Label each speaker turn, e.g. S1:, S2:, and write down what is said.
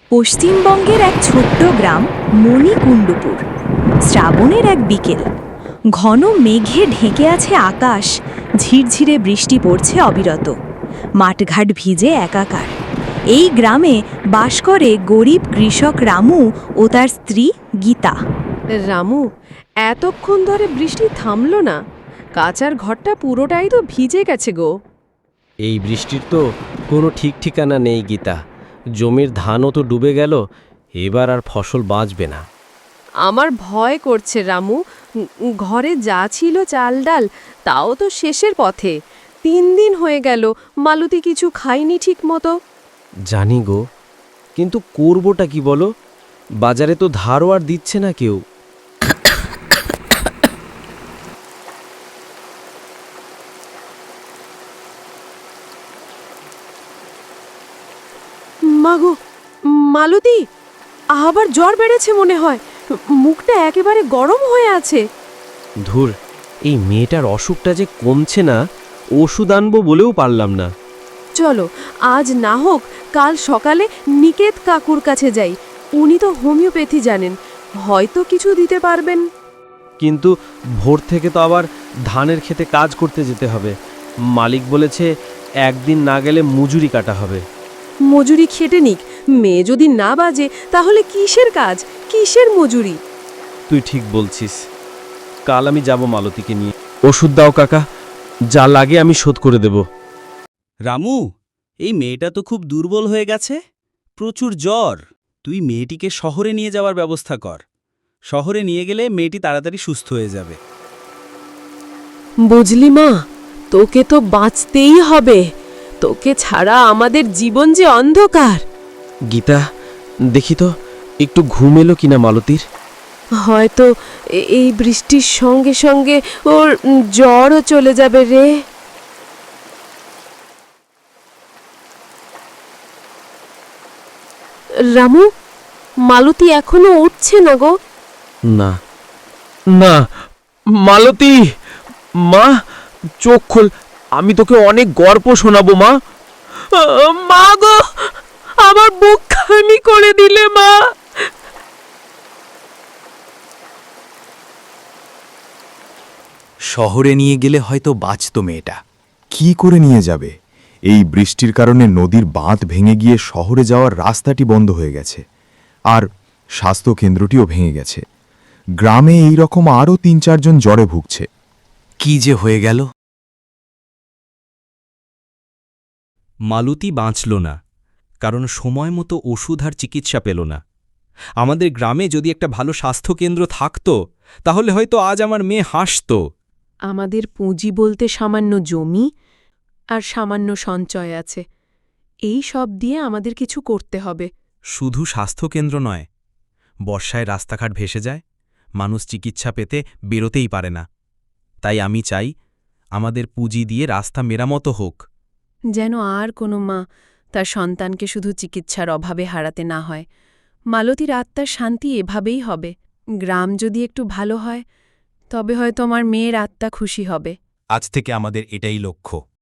S1: পশ্চিমবঙ্গের এক ছোট্ট গ্রাম মণিকুণ্ডপুর। শ্রাবণের এক বিকেল, ঘন মেঘে ঢেকে আছে আকাশ, ঝিরঝিরে বৃষ্টি পড়ছে অবিরত, মাঠঘাট ভিজে একাকার। এই গ্রামে বাস করে গরিব কৃষক রামু ও তার স্ত্রী গীতা।
S2: রামু, এতক্ষণ ধরে বৃষ্টি থামলো না। কাচার ঘরটা পুরোটাই তো ভিজে গেছে গো।
S3: এই বৃষ্টির তো কোনো ঠিক ঠিকানা নেই গীতা। জমির ধানও তো ডুবে গেল, এবার আর ফসল বাঁচবে না।
S2: আমার ভয় করছে রামু। ঘরে যা ছিল চাল ডাল, তাও তো শেষের পথে। 3 দিন হয়ে গেল, মালতী কিছু খাইনি ঠিক মতো।
S3: জানি গো, কিন্তু করবোটা কি বলো? বাজারে তো ধারও আর দিচ্ছে না কেউ।
S2: মাগো, মালতী, আবার জ্বর বেড়েছে মনে হয়। মুখটা একেবারে গরম হয়ে আছে।
S3: ধুর, এই মেয়েটার অসুখটা যে কমছে না, ওষুধ আনবো বলেও পারলাম না।
S2: চলো, আজ না হোক কাল সকালে নিকেত কাকুর কাছে যাই। উনি তো হোমিওপ্যাথি জানেন, হয়তো কিছু দিতে পারবেন।
S3: কিন্তু ভোর থেকে তো আবার ধানের খেতে কাজ করতে যেতে হবে। মালিক বলেছে একদিন না গেলে মজুরি কাটা হবে।
S2: মজুরি খেটে নিক, মেয়ে যদি না বাজে তাহলে কিসের কাজ, কিসের মজুরি?
S3: তুই ঠিক বলছিস, কাল আমি যাব মালতীকে নিয়ে। ওষুধ দাও কাকা, যা লাগে আমি শোধ করে দেব।
S4: রামু, এই মেয়েটা তো খুব দুর্বল হয়ে গেছে, প্রচুর জ্বর। তুই মেয়েটিকে শহরে নিয়ে যাওয়ার ব্যবস্থা কর। শহরে নিয়ে গেলে মেয়েটি তাড়াতাড়ি সুস্থ হয়ে যাবে।
S2: বুঝলি মা, তোকে তো বাঁচতেই হবে। তোকে ছাড়া আমাদের জীবন যে অন্ধকার।
S3: গীতা, দেখি তো একটু ঘুম এলো কিনা মালতীর।
S2: হয়তো এই বৃষ্টির সঙ্গে সঙ্গে ওর জ্বরও চলে যাবে রে। রামু, মালতী এখনো উঠছে না গো।
S3: না না, মালতী, মা চোখ খোল, আমি তোকে অনেক গল্প শোনাবো মা।
S2: মা গো, আমার বুক খানি করে দিলে মা।
S5: শহরে নিয়ে গেলে হয়তো বাঁচত মেয়েটা। কি করে নিয়ে যাবে? এই বৃষ্টির কারণে নদীর বাঁধ ভেঙে গিয়ে শহরে যাওয়ার রাস্তাটি বন্ধ হয়ে গেছে, আর স্বাস্থ্য কেন্দ্রটিও ভেঙে গেছে। গ্রামে এই রকম আরও 3-4 জন জ্বরে ভুগছে। কি যে হয়ে গেল!
S6: মালতী বাঁচল না, কারণ সময় মতো ওষুধ আর চিকিৎসা পেল না। আমাদের গ্রামে যদি একটা ভালো স্বাস্থ্যকেন্দ্র থাকত, তাহলে হয়তো আজ আমার মেয়ে হাসত।
S2: আমাদের পুঁজি বলতে সামান্য জমি আর সামান্য সঞ্চয় আছে। এই সব দিয়ে আমাদের কিছু করতে হবে।
S6: শুধু স্বাস্থ্যকেন্দ্র নয়, বর্ষায় রাস্তাঘাট ভেসে যায়, মানুষ চিকিৎসা পেতে বেরোতেই পারে না। তাই আমি চাই আমাদের পুঁজি দিয়ে রাস্তা মেরামতো হোক,
S2: যেন আর কোনো মা তার সন্তানকে শুধু চিকিৎসার অভাবে হারাতে না হয়। মালতীর আত্মার শান্তি এভাবেই হবে। গ্রাম যদি একটু ভালো হয়, তবে হয়তো আমার মেয়ের আত্মা খুশি হবে।
S5: আজ থেকে আমাদের এটাই লক্ষ্য।